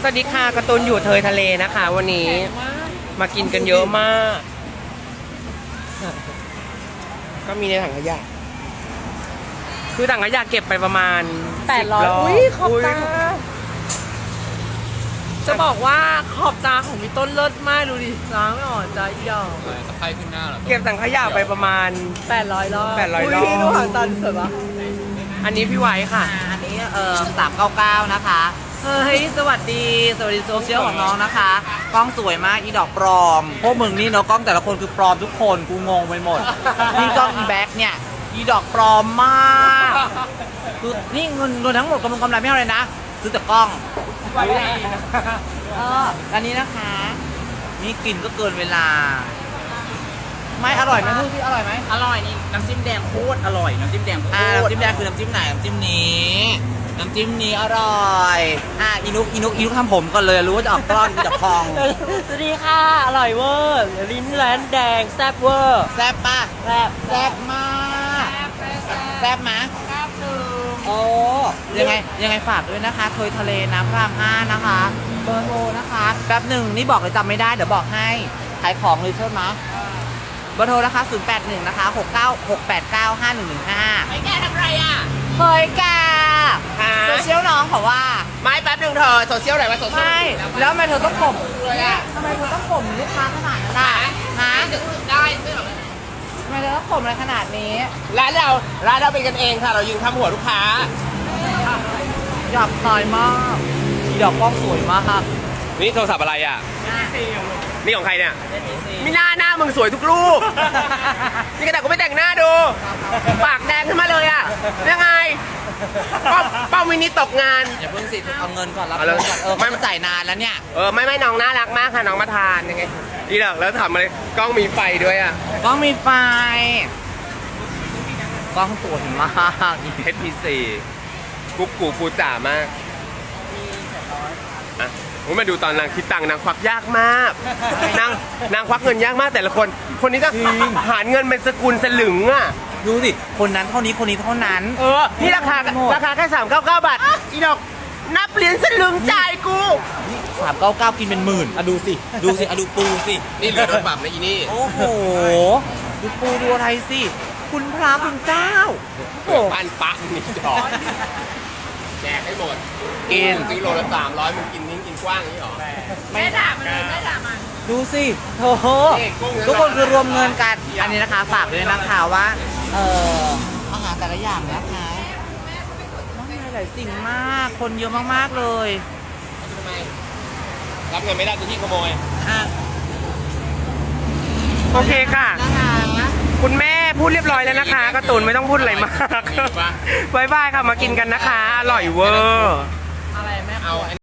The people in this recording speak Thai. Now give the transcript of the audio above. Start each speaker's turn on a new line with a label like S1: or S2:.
S1: วัสดีค่ะการ์ตูนอยู่เทยทะเลนะคะ วันนี้มากินกันเยอะมาก ก็มีในถังขยะคือถังขยะเก็บไปประมาณ
S2: 800อุ้ยขอบตาจะบอกว่าขอบตาของพี่ต้นเลิศมากดูดิล้างไม่อ่อนใจอีดอก
S3: ตะไคร้ขึ้นหน้าเหรอ
S1: เก็บถังขยะไปประมาณ
S2: 800 รอบ
S1: 800 รอบ
S2: อุ้ยดูหางตาสวยปะ
S1: อันนี้พี่ไว้ค่ะ
S4: อันนี้399นะคะเฮ้ยสวัสดีโซเชียลของน้องนะคะกล้องสวยมากอีดอกปลอมพวกมึงนี่เนาะกล้องแต่ละคนคือปลอมทุกคนกูงงไปหมด นี่กล้องอีแบ็คเนี่ยอีดอกปลอมมากคือนี่เงินทั้งหมดกำไรไม่เท่าไหร่นะซื้อแต่กล้องอันนี้นะคะนี่กลิ่นก็เกินเวลาไม่อร่อยไหมพูดสิอร่อยไหม
S3: อร่อยนี่น้ำจิ้มแดงโคตรอร่อยน้ำจิ้มแดงโคตร
S4: น้ำจิ้มแดงคือน้ำจิ้มไหนน้ำจิ้มนี้อร่อยอีนุกทำผมก่อนเลยรู้ว่าจะออกก้อนจะพอง
S2: สวัสดีค่ะอร่อยเวอร์ลิ้นแลนแดงแซ่บเวอร์
S4: แซ่บป่ะ
S2: แซ่บ
S4: แซ่บมากแซ่บมะโอ้ยังไงฝากด้วยนะคะเทยทะเลน้ำพระราม5นะคะเบอร์โทรนะคะแป๊บหนึ่งนี่บอกเลยจำไม่ได้เดี๋ยวบอกให้ขายของเลยใช่ไหมเบอร์โทรนะคะ081นะคะ689 5115
S3: ไม่แกทำไรอ่ะ
S4: เฮ้ยแกโซเชียลน้องเขาว่า
S1: ไม่แป๊บนึงเธอโซเชียลไหนมาโซเชียล
S4: ไม่แล้วทำไมเธอต้องข่มทำไมเธอต้องข่มลูกค้าขนาดนั้นล่ะฮะ
S3: ได้ไม่หรอก
S4: ทำไมเธอต้องข่มอะไรขนาดนี้
S1: ร้านเราเป็นกันเองค่ะ เรายืนข้ามหัวลูกค้า
S4: หยาบคายมากอีดอกกล้องสวยมาก
S1: นี่โทรศัพท์อะไรอ่ะนี่ของใครเนี่ยมีหน้ามึงสวยทุกรูป นี่กระดาษกูไม่แต่งหน้าดู ปากแดงขึ้นมาเลยอ่ะยังไงเป้ามินิตกงาน
S4: อย่าเพิ่งสิเอาเงินก่อนรับ
S1: เอาเลย
S4: เงินก่อนมันจ่ายนานแล้วเนี่ย
S1: ไม่น้องน่ารักมากค่ะน้องมาทานยังไงดีดอกแล้วทำอะไรกล้องมีไฟด้วยอ่ะ
S4: กล้องมีไฟกล้องสวยมาก
S1: HTC กุ๊กกูปูจ๋ามากอ่ะมาดูตอนนางคิดตังค์นางควักยากมากนางควักเงินยากมากแต่ละคนนี้จะหารเงินเป็นสกุลสลึงอ่ะ
S4: ดูสิคนนั้นเท่านี้คนนี้เท่านั้น
S1: นี่ราคาแค่399 บาทอีดอกนับเหรียญสลึงจ่ายกู
S4: 399กินเป็นหมื่นดูสิดูปูสิ
S1: นี่เหลือโดนปรับนะอีนี่
S4: โอ้โหดูปูดูอะไรสิคุณพระคุณเจ้า
S1: โอ้ปันปังนี่ดอกแจกให้หมดกินซื้อโลละ300มึงกินนิ้งกินกว้างนี่หรอ
S3: ไม่ด่ามันเลยไม่ด่ามัน
S4: ดูสิโอ้โหทุกคนคือรวมเงินกันอันนี้นะคะฝากด้วยนะคะว่าอาหารแต่ละอย่างนะคะมากมายหลายสิ่งมากคนเยอะมากๆเลย
S1: ทำไมรับเงินไม่ได้ตัวที่ขโมยโอเคค่ะคุณแม่พูดเรียบร้อยแล้วนะคะการ์ตูนไม่ต้องพูดอะไรมากบายบายค่ะมากินกันนะคะอร่อยเวอร์
S3: อะไรแม่
S1: เอา